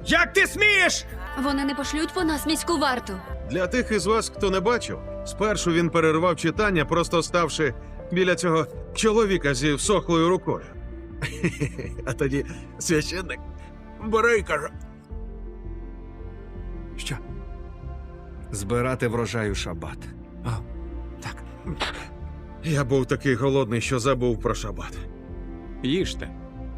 Як ти смієш? Вони не пошлють по нас міську варту. Для тих із вас, хто не бачив, спершу він перервав читання, просто ставши біля цього чоловіка зі всохлою рукою. А тоді священник бере і каже: Що? Збирати врожай у шабат. О, так. я був такий голодний, що забув про шабат. Їжте.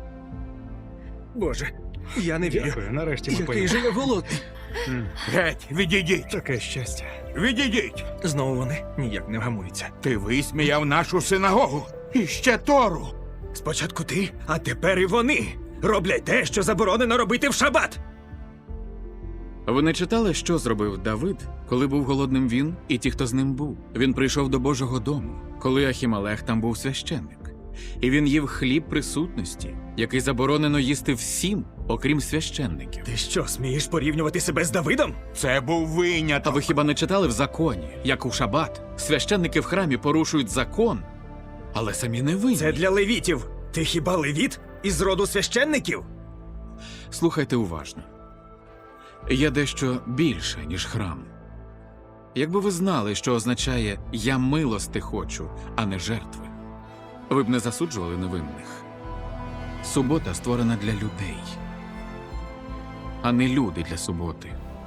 Боже, я не вірю. Дякую, нарешті ми Який поїмо. же я голодний. Геть, відійдіть! Таке щастя. Відійдіть! Знову вони ніяк не вгамуються. Ти висміяв нашу синагогу! І ще Тору! Спочатку ти, а тепер і вони. Роблять те, що заборонено робити в шабат. Ви не читали, що зробив Давид, коли був голодним він і ті, хто з ним був? Він прийшов до Божого дому, коли Ахімелех там був священник. І він їв хліб присутності, який заборонено їсти всім, окрім священників. Ти що, смієш порівнювати себе з Давидом? Це був А виняток! ви хіба не читали в законі, як у шабат? Священники в храмі порушують закон, але самі не винні. Це для левітів. Ти хіба левіт із роду священників? Слухайте уважно. Є дещо більше, ніж храм. Якби ви знали, що означає «я милости хочу», а не жертви, ви б не засуджували невинних. Субота створена для людей, а не люди для суботи.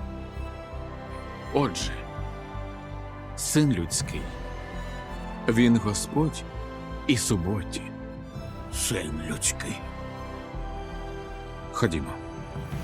Отже, Син людський, він Господь і суботі. Син людський. Ходімо.